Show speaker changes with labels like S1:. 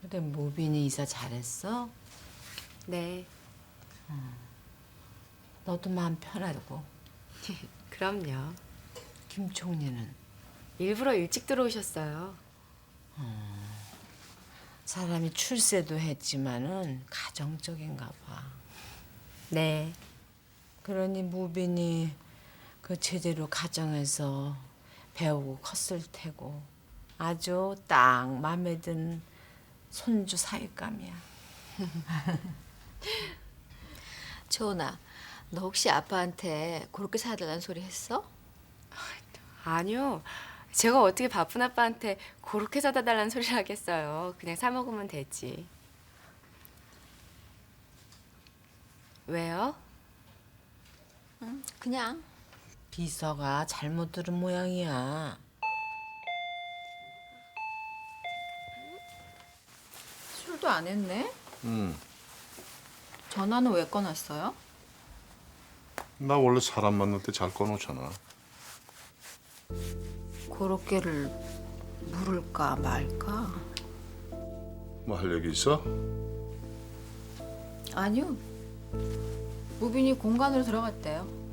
S1: 근데 모빈이 이사 잘했어?
S2: 네,
S1: 너도 마음 편하고.
S2: 그럼요.
S1: 김 총리는
S2: 일부러 일찍 들어오셨어요.
S1: 사람이 출세도 했지만은 가정적인가 봐.
S2: 네,
S1: 그러니 무빈이 그 제대로 가정에서 배우고 컸을 테고 아주 딱 마음에 든 손주 사윗감이야.
S3: 초은아, 너 혹시 아빠한테 그렇게 사달라는 소리 했어?
S2: 아니요. 제가 어떻게 바쁜 아빠한테 그렇게 사다 달라는 소리를 하겠어요. 그냥 사 먹으면 되지. 왜요?
S3: 그냥.
S1: 비서가 잘못 들은 모양이야.
S4: 술도 안 했네?
S5: 응.
S4: 전화는 왜 꺼놨어요?
S5: 나 원래 사람 만날 때 잘 꺼놓잖아.
S4: 그렇게를 물을까 말까?
S5: 뭐 할 얘기 있어?
S4: 아니요. 무빈이 공간으로 들어갔대요.